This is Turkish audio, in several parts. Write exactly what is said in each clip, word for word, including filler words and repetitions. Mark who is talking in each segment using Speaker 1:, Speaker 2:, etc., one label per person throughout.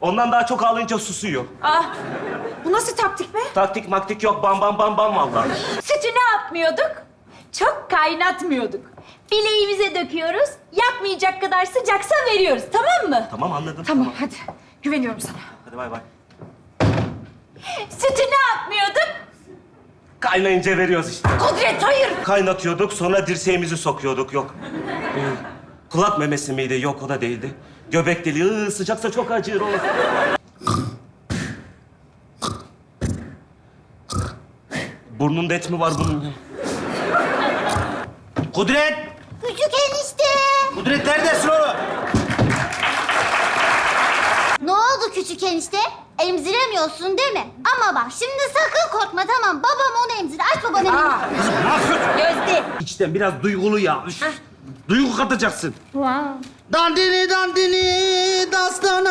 Speaker 1: Ondan daha çok ağlayınca susuyor.
Speaker 2: Ah, bu nasıl taktik be?
Speaker 1: Taktik maktik yok. Bam bam bam bam vallahi.
Speaker 2: Sütü ne yapmıyorduk? Çok kaynatmıyorduk. Bileğimize döküyoruz, yakmayacak kadar sıcaksa veriyoruz, tamam mı?
Speaker 1: Tamam anladım.
Speaker 2: Tamam, hadi. Güveniyorum sana.
Speaker 1: Hadi bay bay.
Speaker 2: Sütü ne yapmıyorduk?
Speaker 1: Kaynayınca veriyoruz işte.
Speaker 2: Kudret, hayır.
Speaker 1: Kaynatıyorduk, sonra dirseğimizi sokuyorduk. Yok. Ee, kulak memesi miydi? Yok, o da değildi. Göbek deliği. Iı, sıcaksa çok acır o. Burnunda et mi var bunun ya?
Speaker 3: Kudret!
Speaker 4: Küçük enişte.
Speaker 3: Kudret neredesin oğlum?
Speaker 4: Ne oldu küçük enişte? Emziremiyorsun değil mi? Ama bak şimdi sakın korkma tamam. Babam onu emzir. Aç babanın elini.
Speaker 3: Ne yapıyorsun?
Speaker 2: Gözde.
Speaker 3: İçten biraz duygulu ya. Üf. Duygu katacaksın. Dandini dandini dastana.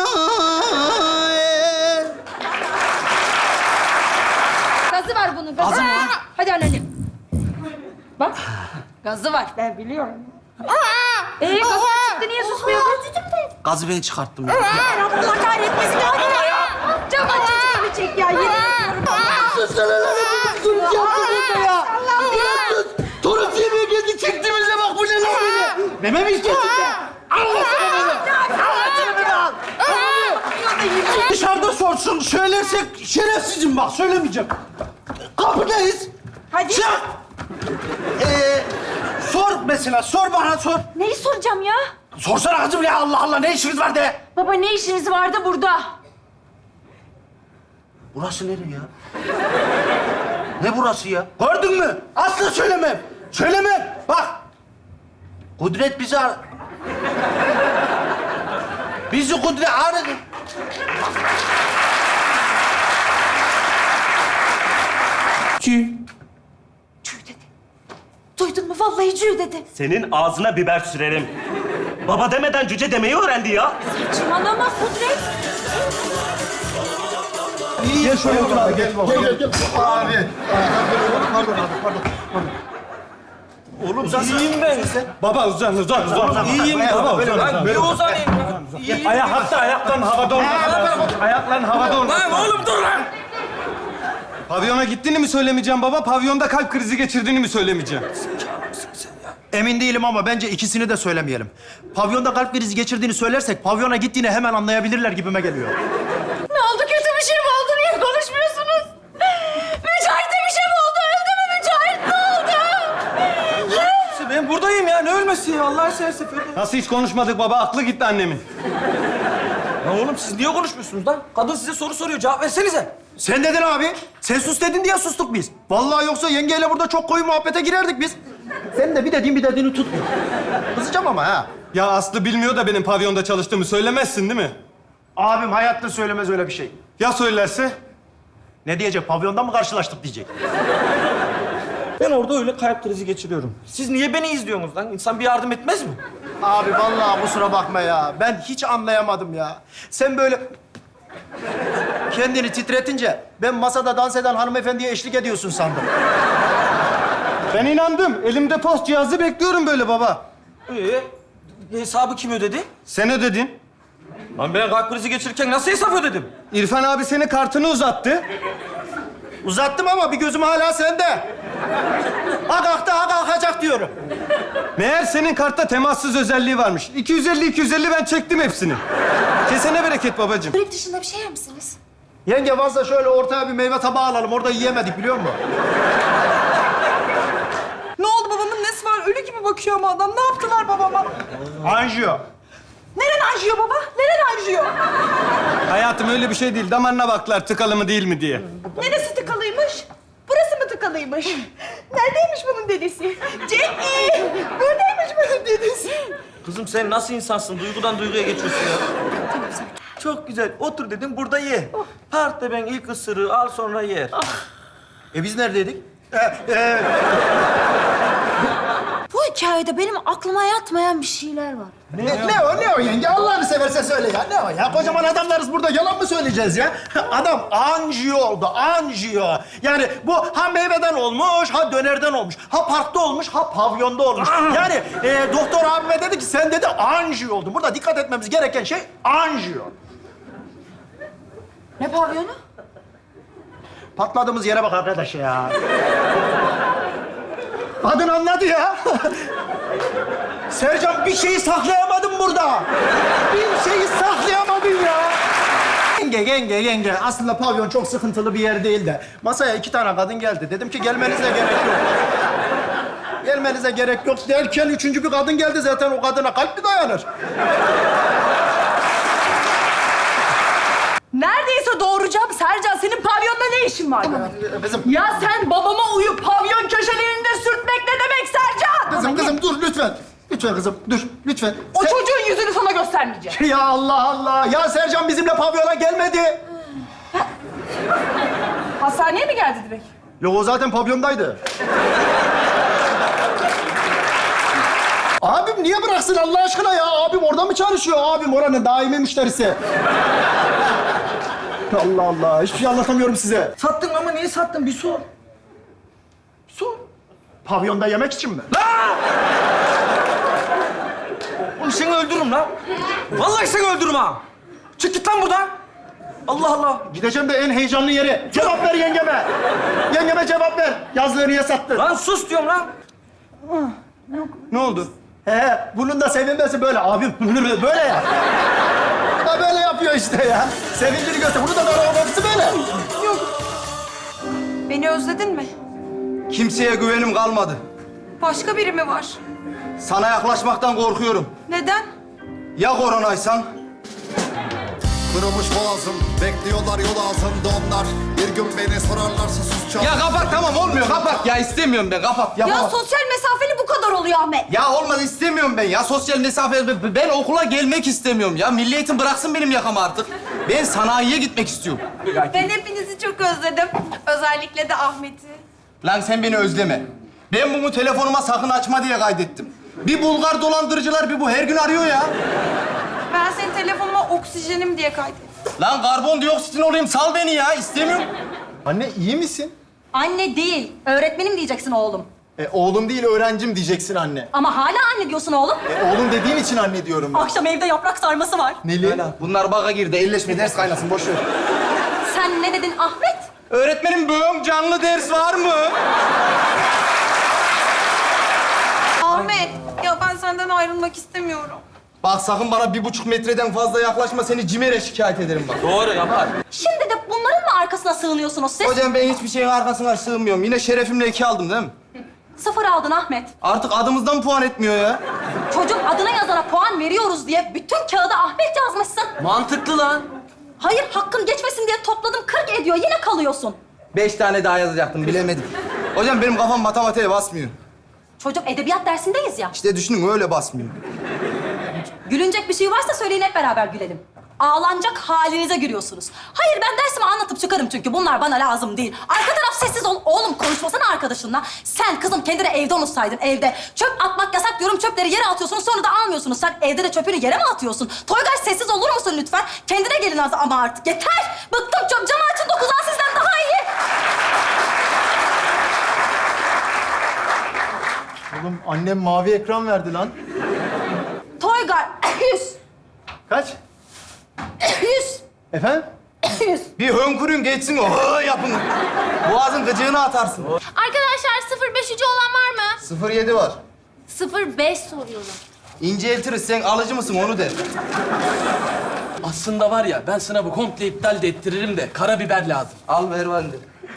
Speaker 2: Gazı var bunun, gazı.
Speaker 3: Gazı mı var?
Speaker 2: Hadi anneannem. Bak, gazı var. Ben biliyorum. Ee, gazı çıktı, niye susmuyordun?
Speaker 3: Gazı ben çıkarttım ya.
Speaker 2: Allah kahretmesin ya. Cam açıcı çek ya, yemin ediyorum.
Speaker 3: Torun yemeğe geldi çektiğimize bak bu ne lan böyle? Meme mi istiyorsun be? Allah sana meme. Allah sana meme al. Dışarıda sorsun. Söylersek şerefsizim bak söylemeyeceğim. Kapıdayız.
Speaker 2: Hadi.
Speaker 3: Çık. Ee, sor mesela sor bana sor.
Speaker 2: Neyi soracağım ya?
Speaker 3: Sorsana kızım ya Allah Allah ne işiniz var de.
Speaker 2: Baba ne işiniz vardı burada?
Speaker 3: Burası nere ya? Ne burası ya? Gördün mü? Asla söylemem. Söylemem. Bak. Kudret bizi ar... Bizi Kudret aradı. Çi.
Speaker 2: Cü dedi. Duydun mu? Vallahi cü dedi.
Speaker 1: Senin ağzına biber sürerim. Baba demeden cüce demeyi öğrendi ya.
Speaker 2: Saçmalama Kudret.
Speaker 5: Gel şöyle otur abi, gel. Gel, gel, gel. Abi. Pardon abi, pardon.
Speaker 3: Oğlum iyiyim ben.
Speaker 5: Baba uzan, uzan, uzan.
Speaker 3: İyiyim
Speaker 5: Baba
Speaker 3: böyle.
Speaker 5: uzan,
Speaker 3: Ben
Speaker 5: uzan.
Speaker 3: bir uzanayım ya. İyiyim.
Speaker 5: Ayak hatta ayakların havada olması lazım. Ayakların havada olması
Speaker 3: Lan
Speaker 5: lazım.
Speaker 3: oğlum dur lan.
Speaker 5: Pavyona gittiğini mi söylemeyeceğim baba? Pavyonda kalp krizi geçirdiğini mi söylemeyeceğim?
Speaker 6: Emin değilim ama bence ikisini de söylemeyelim. Pavyonda kalp krizi geçirdiğini söylersek pavyona gittiğini hemen anlayabilirler gibime geliyor.
Speaker 2: Ne oldu? Kötü bir şey mi oldu? Niye konuşmuyorsunuz? Mücahit'e bir şey mi oldu? Öldü mü Mücahit? Ne oldu?
Speaker 3: Ben buradayım ya. Ne ölmesi ya? Allah seversen.
Speaker 5: Nasıl hiç konuşmadık baba? Aklı gitti annemin.
Speaker 3: Lan oğlum siz niye konuşmuyorsunuz lan? Kadın size soru soruyor. Cevap versenize.
Speaker 6: Sen dedin abi. Sen sus dedin diye sustuk biz. Vallahi yoksa yengeyle burada çok koyu muhabbete girerdik biz. Sen de bir dediğin bir dediğini tutmuyor. Kızacağım ama ha.
Speaker 5: Ya Aslı bilmiyor da benim pavyonda çalıştığımı söylemezsin değil mi?
Speaker 6: Abim hayatta söylemez öyle bir şey.
Speaker 5: Ya söylerse?
Speaker 6: Ne diyecek? Pavyonda mı karşılaştık diyecek.
Speaker 3: Ben orada öyle kalp krizi geçiriyorum. Siz niye beni izliyorsunuz lan? İnsan bir yardım etmez mi?
Speaker 6: Abi vallahi kusura bakma ya. Ben hiç anlayamadım ya. Sen böyle kendini titretince ben masada dans eden hanımefendiye eşlik ediyorsun sandım.
Speaker 5: Ben inandım. Elimde post cihazı bekliyorum böyle baba.
Speaker 3: Ee, hesabı kim ödedi?
Speaker 5: Sen ödedin.
Speaker 3: Lan ben kalp krizi geçirirken nasıl hesap ödedim?
Speaker 5: İrfan abi senin kartını uzattı.
Speaker 6: Uzattım ama bir gözüm hala sende. Ha kalktı, ha kalkacak diyorum.
Speaker 5: Meğer senin kartta temassız özelliği varmış. iki yüz elli iki yüz elli ben çektim hepsini. Kesene bereket babacığım.
Speaker 2: Börek dışında bir şey yer misiniz?
Speaker 6: Yenge varsa şöyle ortaya bir meyve tabağı alalım. Orada yiyemedik biliyor musun?
Speaker 7: Ne oldu babamın nesi var? Ölü gibi bakıyor ama adam. Ne yaptılar babama?
Speaker 6: Anjiyo.
Speaker 7: Neren anjiyo baba? Neren anjiyo?
Speaker 5: Hayatım öyle bir şey değil. Damarına baktılar tıkalı mı değil mi diye.
Speaker 7: Neresi tıkalıymış? Burası mı tıkalıymış? Neredeymiş bunun dedesi? Cengi! Buradaymış bunun dedesi.
Speaker 3: Kızım sen nasıl insansın? Duygudan duyguya geçiyorsun ya. Çok güzel. Otur dedim burada ye. Part ben ilk ısırığı al sonra yer.
Speaker 6: E biz neredeydik?
Speaker 2: Bu hikayede benim aklıma yatmayan bir şeyler var.
Speaker 6: Ne, ne o, ne o yenge? Allah'ını seversen söyle ya. Ne o ya? Kocaman adamlarız burada. Yalan mı söyleyeceğiz ya? Adam anjiyo oldu, anjiyo. Yani bu ha meyveden olmuş, ha dönerden olmuş. Ha parkta olmuş, ha pavyonda olmuş. Yani e, doktor abime dedi ki sen dedi anjiyo oldun. Burada dikkat etmemiz gereken şey anjiyo.
Speaker 2: Ne pavyonu?
Speaker 6: Patladığımız yere bak arkadaş ya. Kadın anladı ya. Sercan bir şeyi saklayamadın burada. Bir şeyi saklayamadın ya. Yenge, yenge, yenge. Aslında pavyon çok sıkıntılı bir yer değil de. Masaya iki tane kadın geldi. Dedim ki gelmenize gerek yok. Gelmenize gerek yok derken üçüncü bir kadın geldi zaten. O kadına kalp mi dayanır?
Speaker 7: Neredeyse doğuracağım Sercan. Senin pavyonda ne işin var?
Speaker 6: Kızım,
Speaker 7: Ya sen babama uyup pavyon köşelerinde sürtmek ne demek Sercan?
Speaker 6: kızım, kızım dur lütfen. Lütfen kızım, dur lütfen.
Speaker 7: O
Speaker 6: Sen-
Speaker 7: çocuğun yüzünü sana göstermeyeceğim.
Speaker 6: Ya Allah Allah! Ya Sercan bizimle pavyona gelmedi.
Speaker 7: Hastaneye mi geldi direkt?
Speaker 6: Yok, o zaten pavyondaydı. Abim niye bıraksın Allah aşkına ya? Abim orada mı çalışıyor? Abim oranın daimi müşterisi. Allah Allah, hiçbir şey anlatamıyorum size.
Speaker 3: Sattın ama niye sattın? Bir sor.
Speaker 6: Su. Pavyonda yemek için mi?
Speaker 3: Oğlum seni öldürürüm lan. Vallahi seni öldürürüm ha. Çık git lan buradan. Allah Allah.
Speaker 6: Gideceğim de en heyecanlı yere. Cevap ver yengeme. Yengeme cevap ver. Yazlığı niye sattın?
Speaker 3: Lan sus diyorum lan.
Speaker 6: Ne oldu? He, bunun da sevinmesi böyle. Abim böyle ya. Bu da böyle yapıyor işte ya. Sevincini göster. Bunu da böyle olması böyle.
Speaker 7: Beni özledin mi?
Speaker 5: Kimseye güvenim kalmadı.
Speaker 7: Başka biri mi var?
Speaker 5: Sana yaklaşmaktan korkuyorum.
Speaker 7: Neden?
Speaker 5: Ya koronaysan?
Speaker 8: Kırılmış boğazım, bekliyorlar yol ağzında onlar. Bir gün beni sorarlarsa susacağım.
Speaker 5: Ya kapat, tamam olmuyor, kapat. Ya istemiyorum ben, kapat. Yapamam.
Speaker 2: Ya sosyal mesafeli bu kadar oluyor Ahmet.
Speaker 5: Ya olmaz, istemiyorum ben ya. Sosyal mesafe, ben okula gelmek istemiyorum ya. Milli Eğitim bıraksın benim yakamı artık. Ben sanayiye gitmek istiyorum.
Speaker 2: Ben hepinizi çok özledim. Özellikle de Ahmet'i.
Speaker 5: Lan sen beni özleme. Ben bunu telefonuma sakın açma diye kaydettim. Bir Bulgar dolandırıcılar bir bu her gün arıyor ya.
Speaker 2: Ben senin telefonuma oksijenim diye kaydettim.
Speaker 5: Lan karbondioksitin olayım, sal beni ya. İstemiyorum.
Speaker 6: Anne iyi misin?
Speaker 9: Anne değil, öğretmenim diyeceksin oğlum.
Speaker 6: E, oğlum değil öğrencim diyeceksin anne.
Speaker 9: Ama hala anne diyorsun oğlum.
Speaker 6: E, oğlum dediğin için anne diyorum ben.
Speaker 9: Akşam evde yaprak sarması var.
Speaker 6: Neli?
Speaker 5: Bunlar baga girdi. Elleşme, ders kaynasın. Boş ver.
Speaker 9: Sen ne dedin Ahmet?
Speaker 5: Öğretmenim bugün canlı ders var mı?
Speaker 2: Ahmet, ya ben senden ayrılmak istemiyorum.
Speaker 5: Bak sakın bana bir buçuk metreden fazla yaklaşma. Seni CİMER'e şikayet ederim bak.
Speaker 3: Doğru yapar.
Speaker 9: Şimdi de bunların mı arkasına sığınıyorsunuz siz?
Speaker 5: Hocam ben hiçbir şeyin arkasına sığmıyorum. Yine şerefimle iki aldım değil mi?
Speaker 9: Sıfır aldın Ahmet.
Speaker 5: Artık adımızdan puan etmiyor ya.
Speaker 9: Çocuk adına yazana puan veriyoruz diye bütün kağıda Ahmet yazmışsın.
Speaker 3: Mantıklı lan.
Speaker 9: Hayır, hakkın geçmesin diye topladım kırk ediyor. Yine kalıyorsun.
Speaker 5: Beş tane daha yazacaktım, bilemedim. Hocam benim kafam matematiğe basmıyor.
Speaker 9: Çocuk edebiyat dersindeyiz ya.
Speaker 5: İşte düşünün öyle basmıyor.
Speaker 9: Gülünecek bir şey varsa söyleyin hep beraber gülelim. Ağlanacak halinize gülüyorsunuz. Hayır ben dersimi anlatıp çıkarım çünkü bunlar bana lazım değil. Arka taraf sessiz ol. Oğlum konuşmasana arkadaşınla. Sen kızım kendine evde unutsaydın evde. Çöp atmak yasak diyorum çöpleri yere atıyorsunuz sonra da almıyorsunuz. Sen evde de çöpünü yere mi atıyorsun? Toygar sessiz olur musun lütfen? Kendine gelin az ama artık yeter. Bıktım çöp camı açın dokuzan sizden daha iyi.
Speaker 6: Oğlum annem mavi ekran verdi lan.
Speaker 9: Toygar yüz.
Speaker 6: Kaç?
Speaker 9: Yüz.
Speaker 6: Efendim?
Speaker 9: Yüz.
Speaker 5: Bir hönkürün geçsin o hı yapın. Boğazın gıcığını atarsın.
Speaker 4: Arkadaşlar sıfır beş ucu olan var mı?
Speaker 5: Sıfır yedi var.
Speaker 4: sıfır beş soruyorum.
Speaker 5: İnceltiriz. Sen alıcı mısın onu de.
Speaker 3: Aslında var ya ben sınavı komple iptal de ettiririm de karabiber lazım.
Speaker 5: Al ver ben de.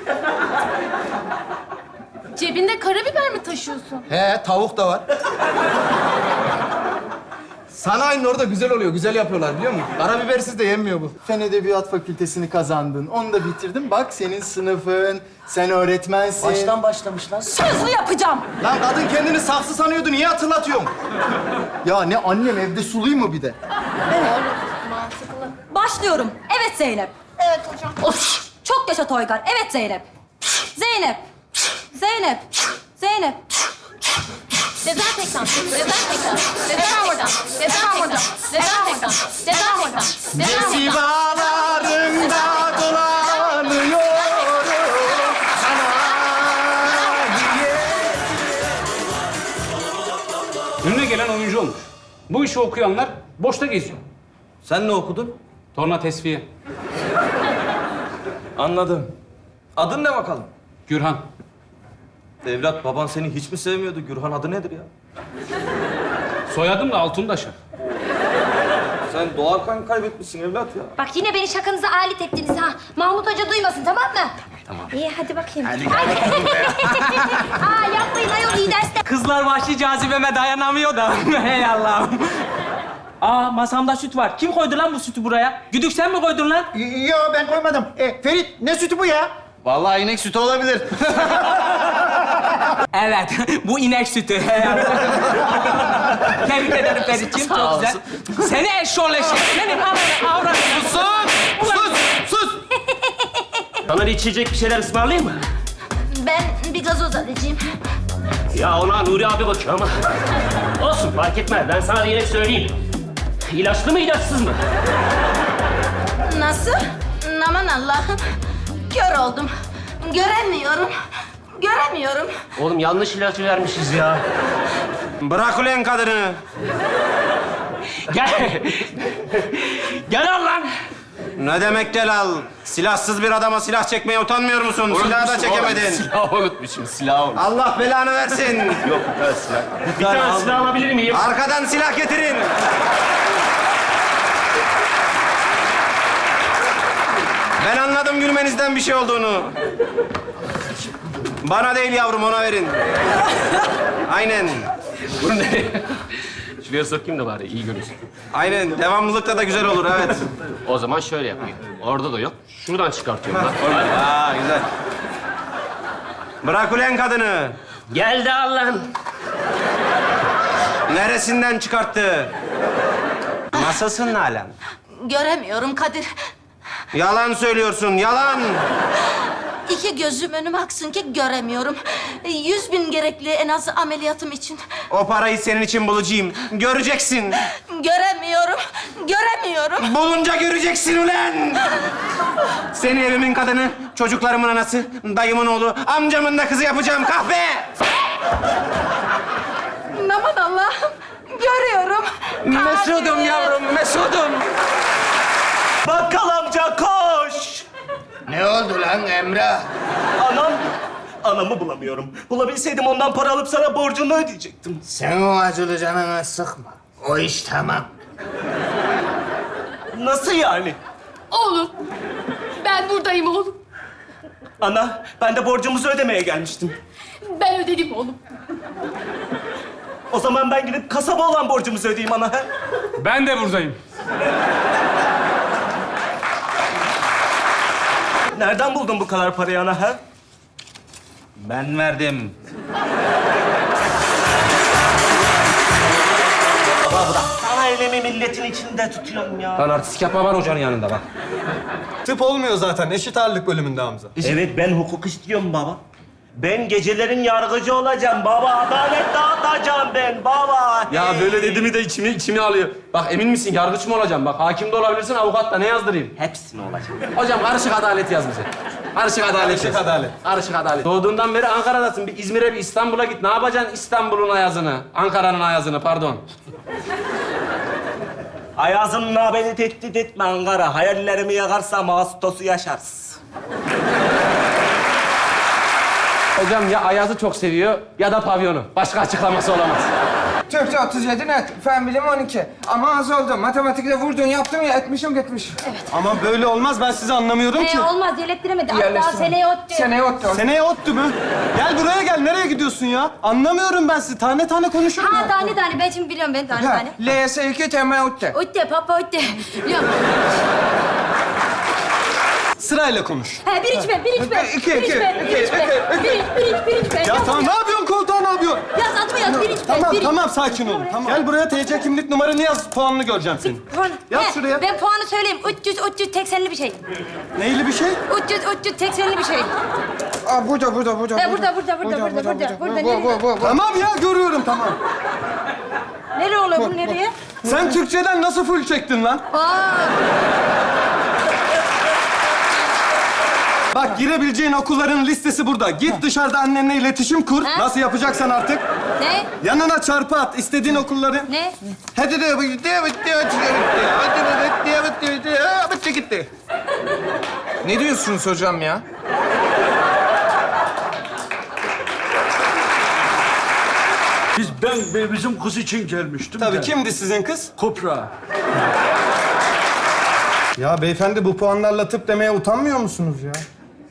Speaker 4: Cebinde karabiber mi taşıyorsun?
Speaker 5: He tavuk da var. Sanayinin orada güzel oluyor. Güzel yapıyorlar biliyor musun? Karabibersiz de yenmiyor bu.
Speaker 6: Fen Edebiyat Fakültesini kazandın. Onu da bitirdin. Bak senin sınıfın. Sen öğretmensin.
Speaker 3: Baştan başlamış lan.
Speaker 9: Sözlü yapacağım.
Speaker 5: Lan kadın kendini saksı sanıyordu. Niye hatırlatıyorsun?
Speaker 6: Ya ne annem evde suluyor mu bir de?
Speaker 9: Başlıyorum. Evet Zeynep.
Speaker 4: Evet hocam.
Speaker 9: Of! Çok yaşa Toygar. Evet Zeynep. Zeynep. Zeynep. Zeynep.
Speaker 4: Dezenfektan. Dezenfektan. Dezenfektan. Dezenfektan. Dezenfektan. Dezenfektan. Dezenfektan.
Speaker 5: Sivalarında dolanıyorum sanayiye.
Speaker 10: Önüne gelen oyuncu olmuş. Bu işi okuyanlar boşta geziyor.
Speaker 5: Sen ne okudun?
Speaker 10: Torna tesviye.
Speaker 5: Anladım. Adın ne bakalım?
Speaker 10: Gürhan.
Speaker 5: Evlat, baban seni hiç mi sevmiyordu? Gürhan adı nedir ya?
Speaker 10: Soyadım da Altundaşar.
Speaker 5: Sen doğarken kaybetmişsin evlat ya.
Speaker 2: Bak yine beni şakanıza alet ettiniz ha. Mahmut Hoca duymasın tamam mı? Tamam. İyi hadi bakayım. Hadi Aa yapmayın ayol iyi dersler.
Speaker 11: Kızlar vahşi cazibeme dayanamıyor da. Hey Allah'ım. Aa masamda süt var. Kim koydu lan bu sütü buraya? Güdük sen mi koydun lan?
Speaker 6: Yo ben koymadım. E, Ferit ne sütü bu ya?
Speaker 3: Vallahi inek sütü olabilir.
Speaker 11: Evet, bu inek sütü. Hey Allah. Tebrik ederim Ferit'ciğim. Çok güzel. Seni eşşoğlu eşek. Senin ananı avradını.
Speaker 5: Sus! Sus! Sus!
Speaker 1: Sana bir içecek bir şeyler ısmarlayayım mı?
Speaker 2: Ben bir gazoz alacağım.
Speaker 1: Ya ona Nuri abi bakıyor ama. Olsun fark etmez. Ben sana yine söyleyeyim. İlaçlı mı ilaçsız mı?
Speaker 2: Nasıl? Aman Allah'ım. Kör oldum. Göremiyorum. Göremiyorum.
Speaker 1: Oğlum yanlış ilacı vermişiz ya.
Speaker 3: Bırak ulan kadını.
Speaker 11: Gel. Gel al lan.
Speaker 3: Ne demek gel al? Silahsız bir adama silah çekmeye utanmıyor musun? Silahı da çekemedin.
Speaker 1: Silahı unutmuşum, silahı unutmuşum.
Speaker 3: Allah belanı versin.
Speaker 1: Yok, bir tane silah. Bir tane silah alabilir miyim?
Speaker 3: Arkadan silah getirin. Ben anladım gülmenizden bir şey olduğunu. Bana değil yavrum, ona verin. Aynen.
Speaker 1: Bunu nereye? Şuraya sokayım da bari iyi görürsün.
Speaker 3: Aynen. Devamlılıkta da güzel olur, evet.
Speaker 1: O zaman şöyle yapayım. Orada da yok. Şuradan çıkartıyorum bak. Oradan.
Speaker 3: Aa, güzel. Bırak ulan kadını.
Speaker 1: Geldi Allah'ın.
Speaker 3: Neresinden çıkarttı? Nasılsın Nalan?
Speaker 2: Göremiyorum Kadir.
Speaker 3: Yalan söylüyorsun, yalan.
Speaker 2: İki gözüm önüme aksın ki göremiyorum. Yüz bin gerekli en az ameliyatım için.
Speaker 3: O parayı senin için bulacağım. Göreceksin.
Speaker 2: Göremiyorum. Göremiyorum.
Speaker 3: Bulunca göreceksin ulan. Seni evimin kadını, çocuklarımın anası, dayımın oğlu, amcamın da kızı yapacağım kahpe.
Speaker 2: Aman Allah'ım. Görüyorum.
Speaker 11: Mesudum yavrum, Mesudum.
Speaker 1: Bakkal amca koş!
Speaker 3: Ne oldu lan Emre?
Speaker 1: Anam, anamı bulamıyorum. Bulabilseydim ondan para alıp sana borcunu ödeyecektim.
Speaker 3: Sen o acılı canını sıkma. O iş tamam.
Speaker 1: Nasıl yani?
Speaker 2: Oğlum. Ben buradayım oğlum.
Speaker 1: Ana, ben de borcumuzu ödemeye gelmiştim.
Speaker 2: Ben ödedim oğlum.
Speaker 1: O zaman ben gidip kasaba olan borcumuzu ödeyeyim ana. he?
Speaker 10: Ben de buradayım.
Speaker 1: Nereden buldun bu kadar parayı ana ha?
Speaker 3: Ben verdim.
Speaker 1: Sana elimi milletin içinde tutuyorum ya.
Speaker 3: Lan artistik yapma var hocanın yanında bak.
Speaker 6: Tıp olmuyor zaten. Eşit ağırlık bölümünde Hamza.
Speaker 1: Evet, ben hukuk istiyorum baba. Ben gecelerin yargıcı olacağım baba. Adalet dağıtacağım ben baba.
Speaker 5: Ya
Speaker 1: Hey.
Speaker 5: böyle dediğimi de içimi içimi alıyor. Bak emin misin yargıç mı olacağım? Bak hakim de olabilirsin, avukat da ne yazdırayım?
Speaker 1: Hepsini olacak.
Speaker 5: Hocam karışık adalet yaz bize. Karışık adalet
Speaker 6: Karışık
Speaker 5: yaz.
Speaker 6: adalet.
Speaker 5: Karışık adalet. Doğduğundan beri Ankara'dasın. Bir İzmir'e, bir İstanbul'a git. Ne yapacaksın İstanbul'un ayazını? Ankara'nın ayazını, pardon.
Speaker 1: Ayazımla beni tehdit etme Ankara. Hayallerimi yakarsam Ağustos'u yaşarsın.
Speaker 5: Hocam ya ayazı çok seviyor ya da pavyonu. Başka açıklaması olamaz.
Speaker 12: Türkçe otuz yedi net, fen bilimi on iki. Ama az oldu. Matematikte vurdun, yaptın ya, etmişim gitmiş.
Speaker 6: Ama böyle olmaz. Ben sizi anlamıyorum ki.
Speaker 2: Ee, olmaz yerlettiremedi. Hatta
Speaker 12: Yerleştirme.
Speaker 2: seneye ot
Speaker 12: Seneye ottu.
Speaker 6: Seneye ottu mu? Gel buraya gel. Nereye gidiyorsun ya? Anlamıyorum ben sizi. Tane tane konuşurum.
Speaker 2: Ha tane tane ben şimdi biliyorum ben tane
Speaker 12: Ha,
Speaker 2: tane.
Speaker 12: L S iki temel ottu.
Speaker 2: Otte papa otte. Biliyorum.
Speaker 6: Sırayla konuş.
Speaker 2: Ha bir iç ben, bir iç ben.
Speaker 12: İki,
Speaker 2: Bir iç
Speaker 12: iki,
Speaker 2: ben, bir iç
Speaker 12: iki,
Speaker 2: ben.
Speaker 12: iki,
Speaker 2: Bir iç, bir iç, bir iç ben.
Speaker 6: Ya
Speaker 2: Yaz
Speaker 6: tamam, ne
Speaker 2: ya.
Speaker 6: yapıyorsun koltuğa, ne yapıyorsun?
Speaker 2: Yaz adıma yaz, bir iç ben.
Speaker 6: Tamam
Speaker 2: bir iç.
Speaker 6: tamam, sakin ol. Tamam. Gel buraya, T C kimlik numaranı yaz. Puanını göreceğim senin.
Speaker 2: Puan.
Speaker 6: Yaz
Speaker 2: He,
Speaker 6: şuraya.
Speaker 2: Ben puanı söyleyeyim. üç yüz, üç yüz seksenli bir şey.
Speaker 6: Neyli bir şey?
Speaker 2: üç yüz, üç yüz seksenli bir şey.
Speaker 12: Aa, burada, burada, burada.
Speaker 2: He, burada, burada, burada, burada, burada. Burada,
Speaker 12: Bu, bu,
Speaker 2: nereye?
Speaker 12: bu, bu.
Speaker 6: Tamam ya, görüyorum, tamam.
Speaker 2: Nereye oluyor bu, nereye?
Speaker 6: Sen Türkçeden nasıl full çektin lan?
Speaker 2: Aa,
Speaker 6: Bak, girebileceğin okulların listesi burada. Git dışarıda annenle iletişim kur.
Speaker 2: Ha?
Speaker 6: Nasıl yapacaksan artık.
Speaker 2: ne?
Speaker 6: Yanına çarpı at istediğin okulları.
Speaker 2: Ne?
Speaker 3: Hadi de bitti, bitti, bitti, bitti, bitti, bitti, bitti, bitti, bitti, gitti.
Speaker 12: Ne diyorsunuz hocam ya?
Speaker 6: Biz ben bizim kız için gelmiştim.
Speaker 5: Tabii
Speaker 6: de.
Speaker 5: kimdi sizin kız?
Speaker 6: Kopra.
Speaker 12: Ya beyefendi bu puanlarla tıp demeye utanmıyor musunuz ya?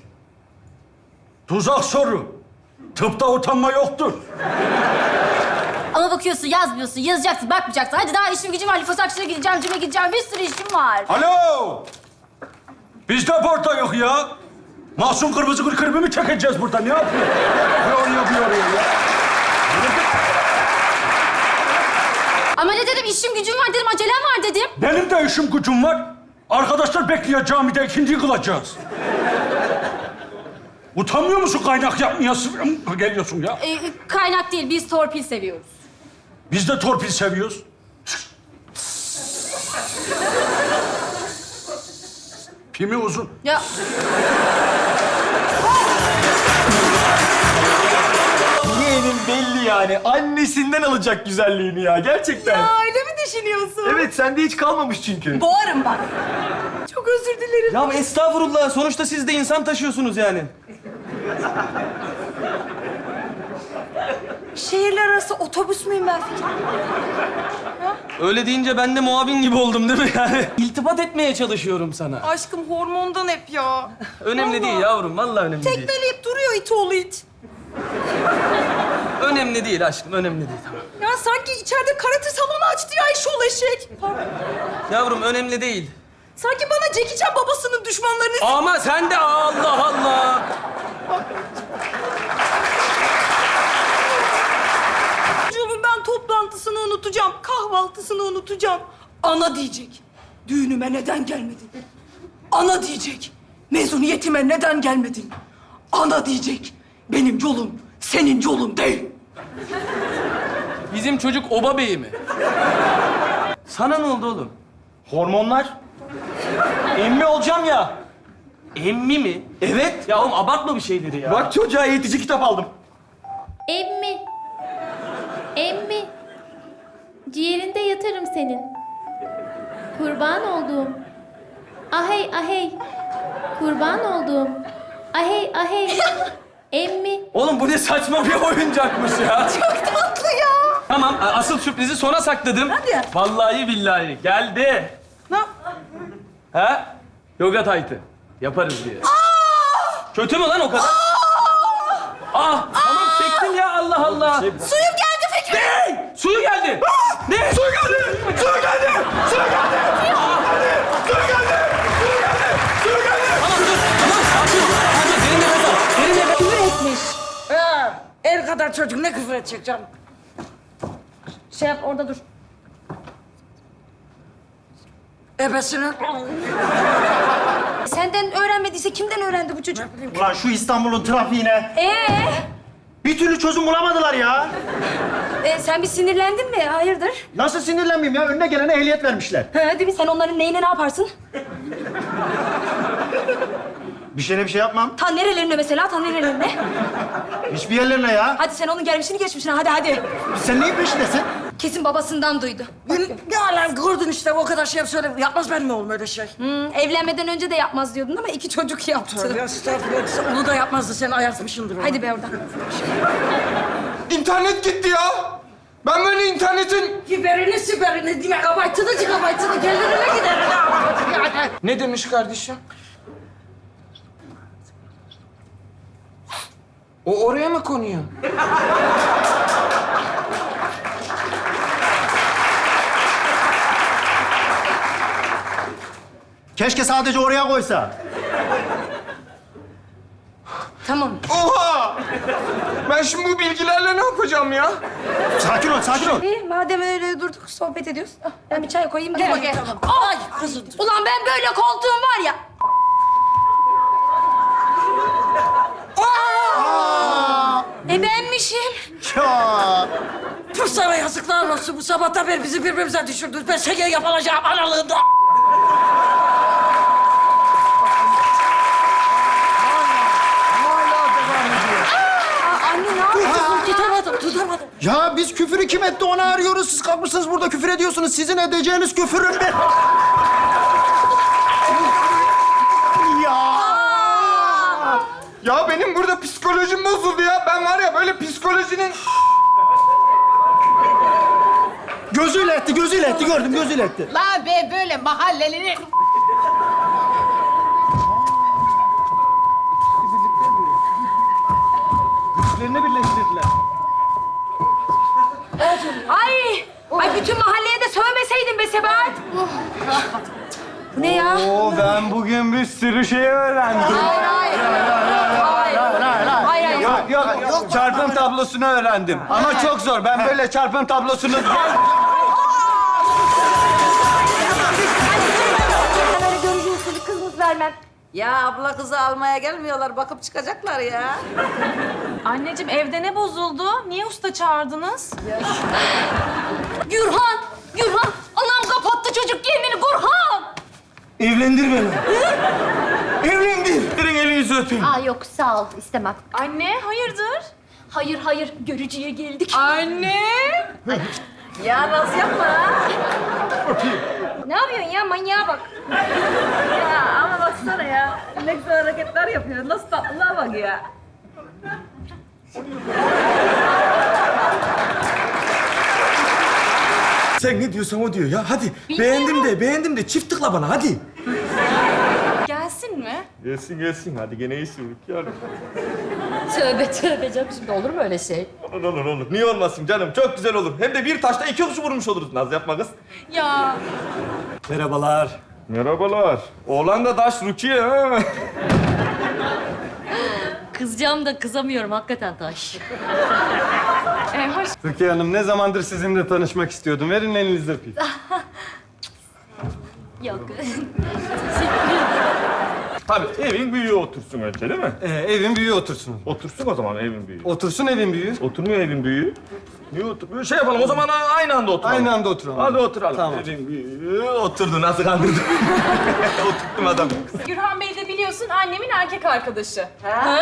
Speaker 6: Tuzak soru. Tıpta utanma yoktur.
Speaker 4: Ama bakıyorsun yazmıyorsun, yazacaksın, bakmayacaksın. Hadi daha işim gücüm var. Lifosakçı'na gideceğim, cime gideceğim. Bir sürü işim var.
Speaker 6: Alo! Biz de burada yok ya. Mahsun Kırmızı Gül klibi mi çekeceğiz burada? Ne yapıyor? Ne oraya bir oraya ya?
Speaker 4: Ama ne dedim, işim gücüm var dedim, acelem var dedim.
Speaker 6: Benim de işim gücüm var. Arkadaşlar bekliyor, camide ikindiyi kılacağız. Utanmıyor musun kaynak yapmaya geliyorsun ya?
Speaker 4: Ee, kaynak değil, biz torpil seviyoruz.
Speaker 6: Biz de torpil seviyoruz. Pimi uzun.
Speaker 4: Ya
Speaker 5: Yeğenin belli yani. Annesinden alacak güzelliğini ya. Gerçekten.
Speaker 7: Ya öyle mi düşünüyorsun?
Speaker 5: Evet, sende hiç kalmamış çünkü.
Speaker 9: Boğarım bak.
Speaker 7: Çok özür dilerim.
Speaker 5: Ya estağfurullah. Sonuçta siz de insan taşıyorsunuz yani.
Speaker 7: Şehirler arası otobüs müyüm ben Fikri?
Speaker 5: Öyle deyince ben de muavin gibi oldum değil mi yani? İltifat etmeye çalışıyorum sana.
Speaker 7: Aşkım hormondan hep ya.
Speaker 5: Önemli
Speaker 7: Vallahi.
Speaker 5: değil yavrum. Vallahi önemli değil.
Speaker 7: Tekmeleyip duruyor it oğlu it.
Speaker 5: Önemli değil aşkım. Önemli değil. Tamam.
Speaker 7: Ya sanki içeride karate salonu açtı ya eşol eşek. Pardon.
Speaker 5: Yavrum önemli değil.
Speaker 7: Sanki bana Jackie Chan babasının düşmanlarını...
Speaker 5: Ama sen de Allah Allah.
Speaker 7: Çocuğumun ben toplantısını unutacağım, kahvaltısını unutacağım. Ana diyecek, düğünüme neden gelmedin? Ana diyecek, mezuniyetime neden gelmedin? Ana diyecek, benim yolum senin yolun değil.
Speaker 5: Bizim çocuk oba beyi mi? Sana ne oldu oğlum? Hormonlar. Emmi olacağım ya. Emmi mi? Evet. Ya oğlum abartma bir şeyleri ya. Bak çocuğa eğitici kitap aldım.
Speaker 13: Emmi. Emmi. Ciğerinde yatarım senin. Kurban olduğum. Ahey ahey. Kurban olduğum. Ahey ahey. Emmi.
Speaker 5: Oğlum bu ne saçma bir oyuncakmış ya.
Speaker 7: Çok tatlı ya.
Speaker 5: Tamam, asıl sürprizi sona sakladım.
Speaker 7: Hadi.
Speaker 5: Vallahi billahi geldi.
Speaker 7: Ne?
Speaker 5: Ha? Yoga taytı. Yaparız diye. Kötü mü lan o kadar? Ah, tamam çektim ya Allah Allah.
Speaker 7: Suyum geldi Fikri.
Speaker 5: Ne? Suyu geldi. Ne? Suyu geldi. Suyu geldi. Suyu geldi. Suyu geldi. Suyu geldi. Suyu geldi. Tamam dur. Tamam sakin ol. Sakin ol. Derin nefes al. Derin nefes al.
Speaker 7: Küfür etmiş. Ha, el kadar çocuk ne küfür edecek canım? Şey yap orada dur. Ebesinin...
Speaker 9: Senden öğrenmediyse kimden öğrendi bu çocuk?
Speaker 6: Ulan şu İstanbul'un trafiğine
Speaker 9: Ee,
Speaker 6: bir türlü çözüm bulamadılar ya.
Speaker 9: e, sen bir sinirlendin mi? Hayırdır?
Speaker 6: Nasıl sinirlenmeyeyim ya? Önüne gelene ehliyet vermişler.
Speaker 9: Ha, değil mi? Sen onların neyine ne yaparsın?
Speaker 6: Bir şeyine bir şey yapmam.
Speaker 9: Ta nerelerine mesela, ta nerelerine?
Speaker 6: Hiçbir yerlerine ya.
Speaker 9: Hadi sen onun gelmişini geçmişini, hadi hadi.
Speaker 6: Sen neyin peşindesin?
Speaker 9: Kesin babasından duydu.
Speaker 7: Ne alem gördün işte o kadar şey söyle. Yapmaz benim oğlum öyle şey.
Speaker 9: Hmm, evlenmeden önce de yapmaz diyordun ama iki çocuk yaptı.
Speaker 7: Ya estağfurullah. Onu da yapmazdı. Sen ayartmışsındır onu.
Speaker 9: Hadi be oradan.
Speaker 12: İnternet gitti ya. Ben böyle internetin...
Speaker 7: Hiberini siberini, megabaytını gigabaytını gelirine giderine yani.
Speaker 12: Ne demiş kardeşim? O oraya mı konuyor?
Speaker 6: Keşke sadece oraya koysa.
Speaker 9: Tamam.
Speaker 12: Oha! Ben şimdi bu bilgilerle ne yapacağım ya?
Speaker 6: Sakin ol, sakin ol.
Speaker 9: İyi, madem öyle durduk, sohbet ediyoruz. Ah, ben bir çay koyayım, gel.
Speaker 7: bakayım,
Speaker 9: Gel.
Speaker 7: tamam.
Speaker 9: Ay kızım. Ulan ben böyle koltuğum var ya. E benmişim.
Speaker 6: Ya.
Speaker 7: Tüh sana yazıklar olsun. Bu sabahtan beri bizi birbirimize düşürdünüz. Ben şeker yapılacağım analığında.
Speaker 9: Aa, anne ne yapıyorsun?
Speaker 7: Tutamadım, tutamadım.
Speaker 6: Ya biz küfürü kim etti onu arıyoruz. Siz kalkmışsınız burada küfür ediyorsunuz. Sizin edeceğiniz küfürün bir... Ya.
Speaker 12: Öyle psikolojinin...
Speaker 6: Gözüyle etti, gözüyle etti. Gördüm, gözüyle etti.
Speaker 2: La be böyle mahallelerin...
Speaker 6: Güçlerini birleştirdiler.
Speaker 7: Ay! Ay bütün mahalleye de sövmeseydin be Sebahat. Bu ne ya?
Speaker 12: Oo, ben bugün bir sürü şey öğrendim.
Speaker 7: Hayır, hayır. Hayır, hayır. Hayır,
Speaker 12: Yok, yok, yok. Çarpım tablosunu öğrendim. Ama çok zor. Ben böyle çarpım tablosunu...
Speaker 2: Ben öyle görücü usulü kız mız vermem.
Speaker 14: Ya abla kızı almaya gelmiyorlar. Bakıp çıkacaklar ya.
Speaker 9: Anneciğim evde ne bozuldu? Niye usta çağırdınız?
Speaker 7: Gürhan! Gürhan! Anam kapattı çocuk kendini Gürhan!
Speaker 3: Evlendir beni. Evlendir. Verin elinizi öpeyim.
Speaker 4: Aa yok sağ ol istemem.
Speaker 9: Anne hayırdır?
Speaker 2: Hayır hayır görücüye geldik.
Speaker 9: Anne!
Speaker 14: Ya nasıl yapma ha?
Speaker 2: Ne yapıyorsun ya manyağa bak.
Speaker 14: Ya ama baksana ya. Ne güzel hareketler yapıyor. Nasıl tatlılığa bak ya.
Speaker 3: Sen ne diyorsan o diyor ya. Hadi. Beğendim de, beğendim de çift tıkla bana hadi.
Speaker 9: Gelsin mi?
Speaker 3: Gelsin gelsin. Hadi gene iyisin Rukiye Hanım.
Speaker 2: Tövbe tövbe canım şimdi olur mu öyle şey?
Speaker 3: Olur olur olur. Niye olmasın canım? Çok güzel olur. Hem de bir taşta iki kuş vurmuş oluruz. Naz yapma kız.
Speaker 9: Ya
Speaker 3: Merhabalar. Merhabalar. Oğlan da taş Rukiye ha.
Speaker 2: Kızacağım da kızamıyorum hakikaten taş.
Speaker 9: e, hoş.
Speaker 12: Rukiye Hanım, ne zamandır sizinle tanışmak istiyordum. Verin elinizi öpeyim.
Speaker 2: Yok.
Speaker 3: Tabii evin büyüğü otursun önce değil mi?
Speaker 12: Ee, evin büyüğü otursun.
Speaker 3: Otursun o zaman evin büyüğü.
Speaker 12: Otursun evin büyüğü.
Speaker 3: Oturmuyor evin büyüğü. Niye oturmuyor? Şey yapalım o zaman aynı anda oturalım.
Speaker 12: Aynı anda oturalım.
Speaker 3: Hadi oturalım.
Speaker 12: Tamam.
Speaker 3: Evin büyüğü oturdu. Nasıl kandırdım? Oturttum adamı.
Speaker 9: Gürhan Bey de biliyorsun annemin erkek arkadaşı. Ha?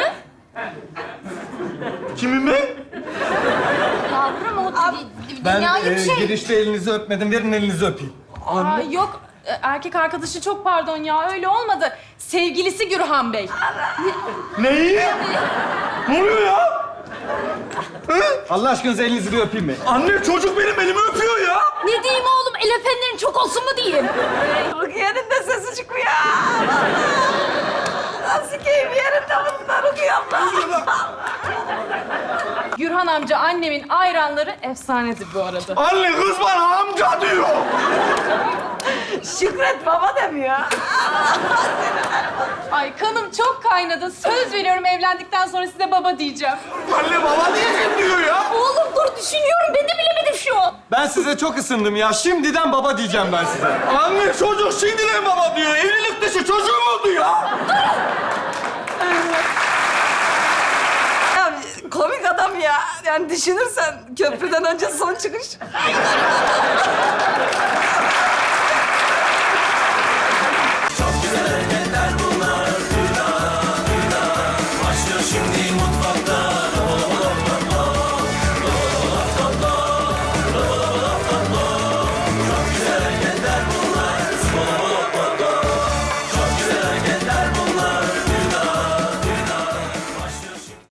Speaker 3: Kimin ben?
Speaker 2: Yavrum o
Speaker 12: Ben
Speaker 2: dünyayı
Speaker 12: e,
Speaker 2: bir şey.
Speaker 12: girişte elinizi öpmedim. Verin elinizi öpeyim.
Speaker 9: Aa, yok e, erkek arkadaşı çok pardon ya öyle olmadı. Sevgilisi Gürhan Bey.
Speaker 3: Neyi? Ne oluyor ya?
Speaker 12: Allah aşkınıza elinizi bir öpeyim mi?
Speaker 3: Anne çocuk benim elimi öpüyor ya.
Speaker 2: Ne diyeyim oğlum el öpenlerin çok olsun mu diyeyim?
Speaker 14: Rukiye'nin de sesi çıkıyor. Nasıl keyif yerinde bunlar Rukiye abla.
Speaker 9: Gürhan amca annemin ayranları efsanedir bu arada.
Speaker 3: Anne kız bana amca diyor.
Speaker 14: Şükret baba demiyor.
Speaker 9: Ay kanım çok kaynadı. Söz veriyorum evlendikten sonra size baba diyeceğim.
Speaker 3: Anne baba diyeceğim diyor ya.
Speaker 2: Oğlum dur düşünüyorum ben de bilemedim şu an.
Speaker 12: Ben size çok ısındım ya. Şimdiden baba diyeceğim ben size.
Speaker 3: Anne çocuk şimdiden baba diyor. Evlilik dışı çocuğum oldu ya.
Speaker 14: Ya komik adam ya. Yani düşünürsen köprüden önce son çıkış.